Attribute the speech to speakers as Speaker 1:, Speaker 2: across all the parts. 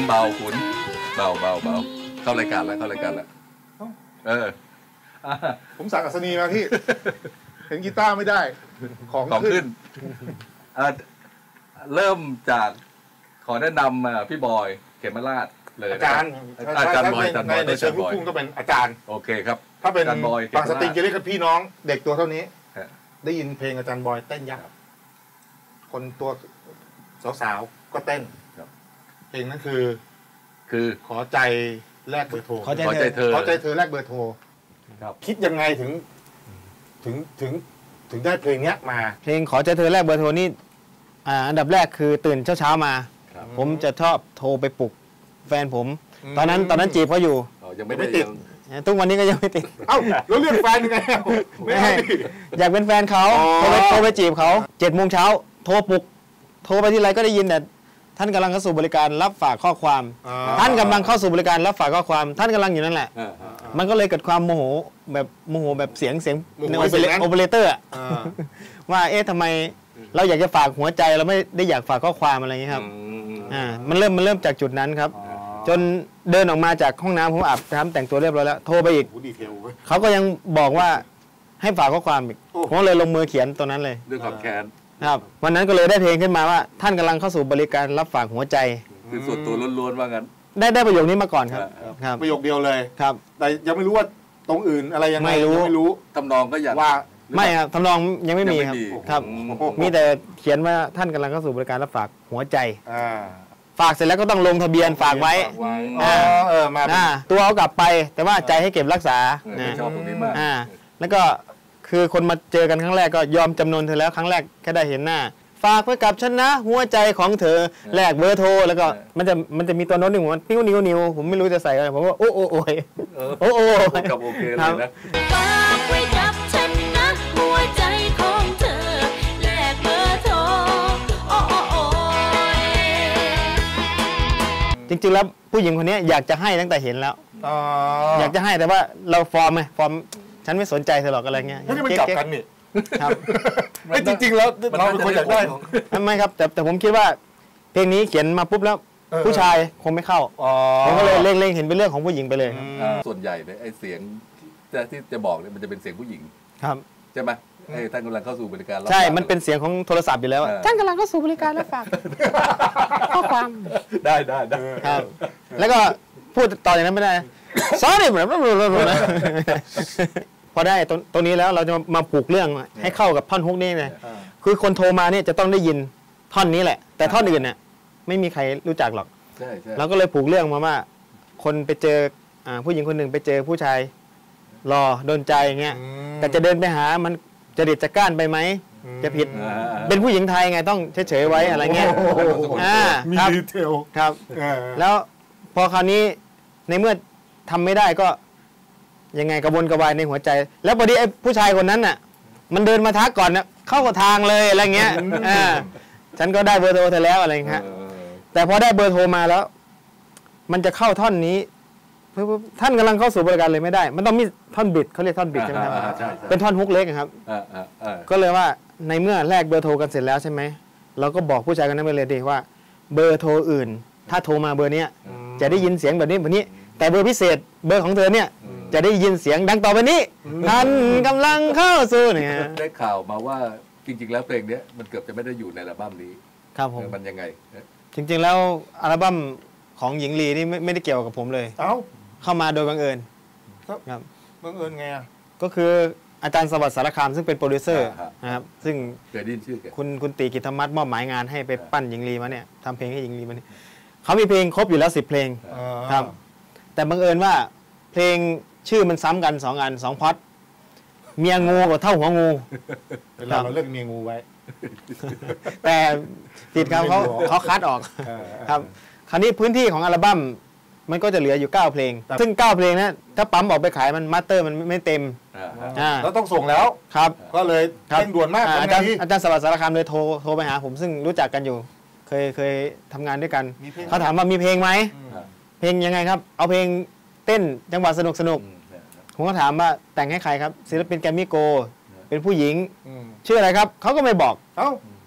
Speaker 1: เบาขุนเบาเข้ารายการแล้ว
Speaker 2: ผมสั่งอัศนีมาพี่ เห็นกีตาร์ไม่ได้ของขึ้น
Speaker 1: เริ่มจากขอแนะนำพี่บอยเขมราชเลย
Speaker 2: อาจารย์บอยในเชิงลูกทุ่งก็เป็นอาจารย์
Speaker 1: โอเคครับ
Speaker 2: ถ้าเป็นบางสตริงจะเรียกกันพี่น้องเด็กตัวเท่านี้ได้ยินเพลงอาจารย์บอยเต้นยักษ์คนตัวสาวๆก็เต้นเพลงนั้นคือขอใจแลกเบอร์โทร
Speaker 1: ขอใจเธอ
Speaker 2: แลกเบอร์โทรคิดยังไงถึงได้เพลงนี้มา
Speaker 3: เพลงขอใจเธอแลกเบอร์โทรนี่อันดับแรกคือตื่นเช้ามาผมจะชอบโทรไปปลุกแฟนผมตอนนั้นจีบเขาอยู่
Speaker 1: ยังไม่ติด
Speaker 3: ทุกวันนี้ก็ยังไม่ติด
Speaker 2: เอ้าแล้วเรื่องแฟนยังไง
Speaker 3: ไม่อยากเป็นแฟนเขาโทรไปจีบเขา7 โมงเช้าโทรปลุกโทรไปที่ไรก็ได้ยินแต่ท่านกำลังเข้าสู่บริการรับฝากข้อความท่านกำลังเข้าสู่บริการรับฝากข้อความท่านกำลังอยู่นั่นแหละมันก็เลยเกิดความโมโหแบบเสียงในโอเปอเรเตอร์ว่าทำไมเราอยากจะฝากหัวใจเราไม่ได้อยากฝากข้อความอะไรอย่างนี้ครับมันเริ่มจากจุดนั้นครับจนเดินออกมาจากห้องน้ำผมอาบน้ำแต่งตัวเรียบร้อยแล้วโทรไปอีกเขาก็ยังบอกว่าให้ฝากข้อความอีกผมเลยลงมือเขียนตัวนั้นเลย
Speaker 1: ด้วยความแค้น
Speaker 3: ครับวันนั้นก็เลยได้เพลงขึ้นมาว่าท่านกำลังเข้าสู่บริการรับฝากหัวใจ
Speaker 1: คือส่วนตัวล้วนๆว่างั้น
Speaker 3: ได้ประโยคนี้มาก่อนครับ
Speaker 2: ประโยคเดียวเลย
Speaker 3: ครับ
Speaker 2: แต่ยังไม่รู้ว่าตรงอื่นอะไรยังไงไม่รู้
Speaker 1: ทำนองก็อยาก
Speaker 2: ว่า
Speaker 3: ไม่ครับทำนองยังไม่มีครับมีแต่เขียนว่าท่านกำลังเข้าสู่บริการรับฝากหัวใจฝากเสร็จแล้วก็ต้องลงทะเบียนฝากไว้
Speaker 2: มา
Speaker 3: ตัวเอากลับไปแต่ว่าใจให้เก็บรักษา
Speaker 1: ชอบตรงนี้มาก
Speaker 3: แล้วก็คือคนมาเจอกันครั้งแรกก็ยอมจำนนเธอแล้วครั้งแรกแค่ได้เห็นหน้าฝากไว้กับฉันนะหัวใจของเธอแลกเบอร์โทรแล้วก็มันจะมีตัวโน้ตหนึ่งว่านิ้วผมไม่รู้จะใส่อะไรผมว่าโอ้
Speaker 1: กับโอเคเลยนะ
Speaker 4: ฝากไว้กับฉันนะหัวใจของเธอแลกเบอร์โทร
Speaker 3: จริงๆแล้วผู้หญิงคนนี้อยากจะให้ตั้งแต่เห็นแล้วอยากจะให้แต่ว่าเราฟอร์มฉันไม่สนใจเธอหรอกอะไรเงี้ย
Speaker 2: นี่มันกลับกันนี่
Speaker 3: ครับ
Speaker 2: ไม่จริงๆแล้วเราเป็นคนอยากได้
Speaker 3: ไม่ครับแต่ผมคิดว่าเพลงนี้เขียนมาปุ๊บแล้วผู้ชายคงไม่เข้าผมก็เลยเล็งเห็นเป็นเรื่องของผู้หญิงไปเลย
Speaker 1: ส่วนใหญ่เนี่ยไอ้เสียงที่จะบอกเนี่ยมันจะเป็นเสียงผู้หญิง
Speaker 3: ครับ
Speaker 1: ใช่ไหมท่านกำลังเข้าสู่บริการ
Speaker 3: ใช่มันเป็นเสียงของโทรศัพท์อยู่แล้วท่านกำลังเข้าสู่บริการรับฝากข้อความ
Speaker 1: ได้
Speaker 3: ครับแล้วก็พูดต่ออย่างนั้นไม่ได้sorry พอได้ตรงนี้แล้วเราจะมาผูกเรื่องให้เข้ากับท่อนฮุกนี้เลยคือคนโทรมาเนี่ยจะต้องได้ยินท่อนนี้แหละแต่ท่อนอื่นเนี่ยไม่มีใครรู้จักหรอกเราก็เลยผูกเรื่องมาว่าคนไปเจอผู้หญิงคนหนึ่งไปเจอผู้ชายรอโดนใจอย่างเงี้ยแต่จะเดินไปหามันจะเด็ดจะก้านไปไหมจะผิดเป็นผู้หญิงไทยไงต้องเฉยๆไว้อะไรเงี้ย
Speaker 2: มีดีเทล
Speaker 3: ครับแล้วพอคราวนี้ในเมื่อทำไม่ได้ก็ยังไงกระวนกระวายในหัวใจแล้วพอดีไอ้ผู้ชายคนนั้นน่ะมันเดินมาทักก่อนนะเข้ากับทางเลยอะไรเงี้ยฉันก็ได้เบอร์โทรเธอแล้วอะไรเงี้ยแต่พอได้เบอร์โทรมาแล้วมันจะเข้าท่อนนี้ท่านกำลังเข้าสู่บริการเลยไม่ได้มันต้องมีท่อนบิดเขาเรียกท่อนบิดใช่ไหมครับเป็นท่อนฮุกเล็กครับก็เลยว่าในเมื่อแลกเบอร์โทรกันเสร็จแล้วใช่ไหมเราก็บอกผู้ชายคนนั้นไปเลยดีว่าเบอร์โทรอื่นถ้าโทรมาเบอร์นี้จะได้ยินเสียงแบบนี้แต่เบอร์พิเศษเบอร์ของเธอเนี่ยจะได้ยินเสียงดังต่อไปนี้ท่านกำลังเข้าสู่เนี่ย
Speaker 1: ได้ข่าวมาว่าจริงๆแล้วเพลงนี้มันเกือบจะไม่ได้อยู่ในอัลบั้มนี้
Speaker 3: ครับผม
Speaker 1: มันยังไง
Speaker 3: จริงๆแล้วอัลบั้มของหญิงลีนี่ไม่ได้เกี่ยวกับผมเลยเข้ามาโดยบังเอิญ
Speaker 2: ครับบังเอิญไง
Speaker 3: ก็คืออาจารย์สวัสดิ์สารคามซึ่งเป็นโปรดิวเซอร์นะครับซึ่ง
Speaker 1: เคยได้ยินชื่อ
Speaker 3: คุณตีกิตธรรมัตมอบหมายงานให้ไปปั้นหญิงลีมาเนี่ยทำเพลงให้หญิงลีมาเนี่ยเขามีเพลงครบอยู่แล้ว10 เพลงครับแต่บังเอิญว่าเพลงชื่อมันซ้ำกัน2 อัน2 พล็อตเมียงูกับเท่าหัวงู
Speaker 2: เราเลือกเมียงูไว้
Speaker 3: แต่ติดเขาคัดออกครับคราวนี้พื้นที่ของอัลบั้มมันก็จะเหลืออยู่9 เพลงซึ่ง9 เพลงนะถ้าปั๊มออกไปขายมันมาสเตอร์มันไม่เต็ม
Speaker 2: แล้วต้องส่งแล้ว
Speaker 3: ครับ
Speaker 2: ก็เลยเร่งด่วนมาก
Speaker 3: อาจารย์สวัสดิ์สารคามเลยโทรไปหาผมซึ่งรู้จักกันอยู่เคยทำงานด้วยกันเขาถามว่ามีเพลงไหมเพลงยังไงครับเอาเพลงเต้นจังหวะสนุกผมก็ถามว่าแต่งให้ใครครับศิลปินแกรมมี่โกเป็นผู้หญิงชื่ออะไรครับเขาก็ไม่บอก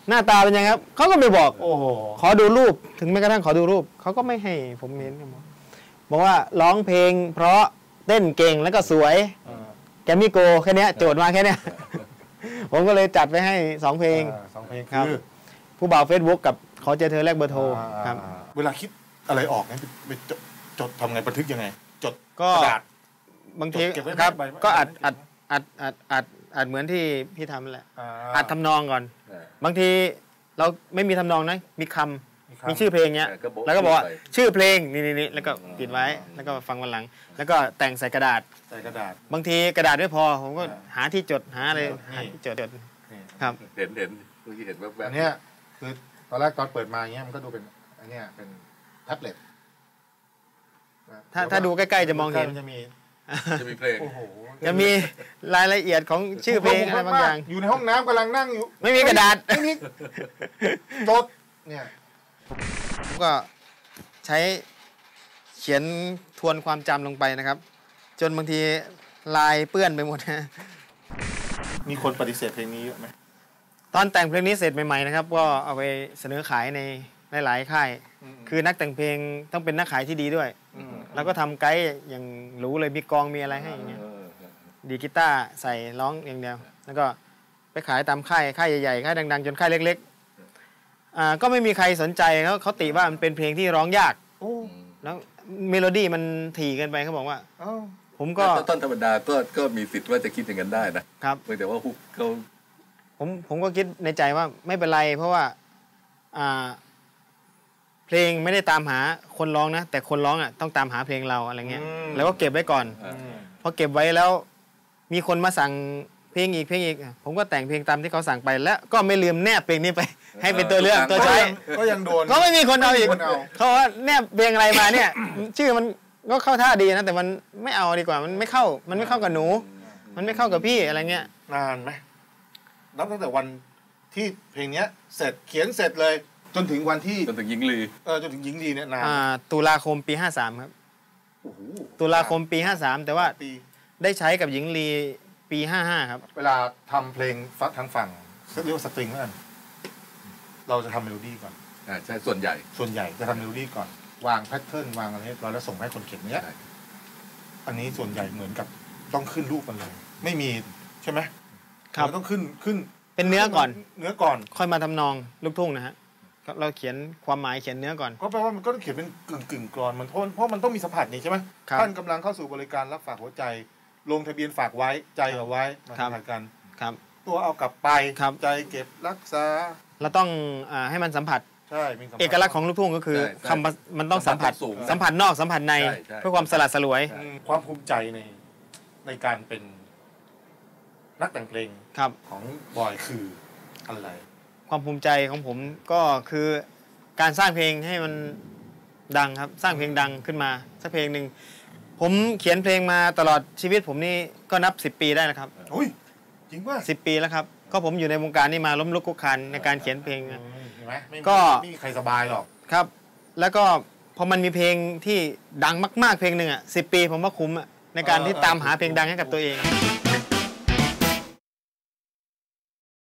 Speaker 3: หน้าตาเป็นยังไงครับเขาก็ไม่บอก
Speaker 2: โอ้โห
Speaker 3: ขอดูรูปถึงแม้กระทั่งขอดูรูปเขาก็ไม่ให้ผมเห็นครับบอกว่าร้องเพลงเพราะเต้นเก่งแล้วก็สวยแกมมี่โกแค่เนี้ยโจทย์มาแค่เนี้ย ผมก็เลยจัดไปให้2 เพลง
Speaker 2: 2 เพลง
Speaker 3: ครับ
Speaker 2: คือ
Speaker 3: ผู้บ่าว Facebook กับขอเจอเธอแลกเบอร์โทรครับ
Speaker 2: เวลาคิดอะไรออกเนี่ยไปจดทำไงบันทึกยังไง จด
Speaker 3: ก็
Speaker 2: กระดาษ
Speaker 3: บางที
Speaker 2: เก็บไว้
Speaker 3: ครับ
Speaker 2: ใบ
Speaker 3: ก็อัดเหมือนที่พี่ทำแหละอัดทำนองก่อน บางทีเราไม่มีทำนองนะมีคำมีชื่อเพลงเงี้ยแล้วก็บอกว่าชื่อเพลงนี่แล้วก็ปิดไว้แล้วก็ฟังวันหลัง แล้วก็แต่งใส่กระดาษ
Speaker 2: ใส่กระดาษ
Speaker 3: บางทีกระดาษไม่พอผมก็หาที่จดหาอะไรหาที่จดครับ
Speaker 1: เห็นเมื่อกี้เห็นแวบ
Speaker 2: อันเนี้ยคือตอนแรกตอนเปิดมาเงี้ยมันก็ดูเป็นอันเนี้ยเป็นแท็บเล็ต
Speaker 3: ถ้าดูใกล้ๆจะมองเห็น
Speaker 2: จะมี
Speaker 1: จะมีเพลง
Speaker 2: โอ้โห
Speaker 3: จะมีรายละเอียดของชื่อเพลงอะไรบางอย่าง
Speaker 2: อยู่ในห้องน้ำกำลังนั่งอยู่
Speaker 3: ไม่มีกระดาษ
Speaker 2: ไม่มีจดเนี่ย
Speaker 3: ผมก็ใช้เขียนทวนความจำลงไปนะครับ จนบางทีลายเปื้อนไปหมดนะ
Speaker 2: มีคนปฏิเสธเพลงนี้เยอะไหม
Speaker 3: ตอนแต่งเพลงนี้เสร็จใหม่ๆนะครับก็เอาไปเสนอขายในหลายๆค่าย คือนักแต่งเพลงต้องเป็นนักขายที่ดีด้วย แล้วก็ทำไกด์อย่างรู้เลยมีกองมีอะไรให้อย่างเงี้ยดีดกีตาร์ใส่ร้องอย่างเดียว แล้วก็ไปขายตามค่ายใหญ่ๆค่ายดังๆจนค่ายเล็กๆก็ไม่มีใครสนใจเขาติว่ามันเป็นเพลงที่ร้องยากแล้วเมโลดี้มันถี่เกินไปเขาบอกว่าผมก็
Speaker 1: ต้นธรรมดาก็มีสิทธิ์ว่าจะคิดอย่างนั้นได้นะครับเพียงแต่ว่าฮุกเขา
Speaker 3: ผมก็คิดในใจว่าไม่เป็นไรเพราะว่าเพลงไม่ได้ตามหาคนร้องนะแต่คนร้องต้องตามหาเพลงเราอะไรเงี้ยแล้วก็เก็บไว้ก่อนพอเก็บไว้แล้วมีคนมาสั่งเพลงอีกผมก็แต่งเพลงตามที่เขาสั่งไปแล้วก็ไม่ลืมแนบเพลงนี้ไป ให้เป็นตัวเลือกตัวใช้
Speaker 2: ก็ยังโดน
Speaker 3: ก็ไม่มีคนเอาอีกเขาว่าแนบเพลงอะไรมาเนี่ย ชื่อมันก็เข้าท่าดีนะแต่มันไม่เอาดีกว่ามันไม่เข้ากับหนู มันไม่เข้ากับพี่อะไรเงี้ย
Speaker 2: นานไหมนับตั้งแต่วันที่เพลงเนี้ยเสร็จเขียนเสร็จเลย จนถึงวันที่
Speaker 1: จนถึงยิงลี
Speaker 2: จนถึงหญิงลีเนี่ยนาน
Speaker 3: ตุลาคมปี53ครับ
Speaker 2: โอ้โห
Speaker 3: ตุลาคมปี53แต่ว่า
Speaker 2: ปี
Speaker 3: ได้ใช้กับหญิงลีปี55ครับ
Speaker 2: เวลาทำเพลงทางฝั่งเรียกว่าสตริงแล้วกันเราจะทำเมโลดี้ก่อน
Speaker 1: ใช่ส่วนใหญ่
Speaker 2: จะทำเมโลดี้ก่อนวางแพทเทิร์นวางอะไรเรียบร้อยแล้วส่งให้คนเขียนเนี้ยอันนี้ส่วนใหญ่เหมือนกับต้องขึ้นรูปมันเลยไม่มีใช่ไหม
Speaker 3: ครับ
Speaker 2: มันต้องขึ้น
Speaker 3: เป็นเนื้อก่อน
Speaker 2: ค่อย
Speaker 3: มาทำนองลูกทุ่งนะฮะเราเขียนความหมายเขียนเนื้อก่อน
Speaker 2: ก็แปลว่ามันก็ต้องเขียนเป็นกึ่งกรอนมันเพราะมันต้องมีสัมผัสนี่ใช่ไหม
Speaker 3: ครับ
Speaker 2: ท่านกำลังเข้าสู่บริการรับฝากหัวใจ ลงทะเบียนฝากไว้ใจเอาไว้มาสัมผัสกัน
Speaker 3: ครับ
Speaker 2: ตัวเอากลับไป
Speaker 3: ครับ
Speaker 2: ใจเก็บรักษา
Speaker 3: เราต้องให้มันสัมผัส
Speaker 2: ใช่มีสัมผัส
Speaker 3: เอกลักษณ์ของลูกทุ่งก็คือ
Speaker 1: ใช่
Speaker 3: คำมันต้องสัมผัส
Speaker 1: สูง
Speaker 3: สัมผัสนอกสัมผัสใน
Speaker 1: ใช่ใช่
Speaker 3: เพื่อความสลัดสลวย
Speaker 2: ความภูมิใจในการเป็นนักแต่งเพลง
Speaker 3: ครับ
Speaker 2: ของบอยคืออะไร
Speaker 3: ความภูมิใจของผมก็คือการสร้างเพลงให้มันดังครับ สร้างเพลงดังขึ้นมาสักเพลงหนึ่งผมเขียนเพลงมาตลอดชีวิตผมนี่ก็นับ10 ปีได้แล้วครับ
Speaker 2: อุ้ยจริงป่ะ
Speaker 3: 10 ปีแล้วครับก็ผมอยู่ในวงการนี้มาล้มลุกคลุกคลานในการเขียนเพลง
Speaker 2: เห็นไหมไม่
Speaker 3: ก็
Speaker 2: มีใครสบายหรอก
Speaker 3: ครับ แล้วก็พอมันมีเพลงที่ดังมากๆเพลงหนึ่ง10 ปีผมว่าคุ้มในการที่ตามหาเพลงดังให้กับตัวเอง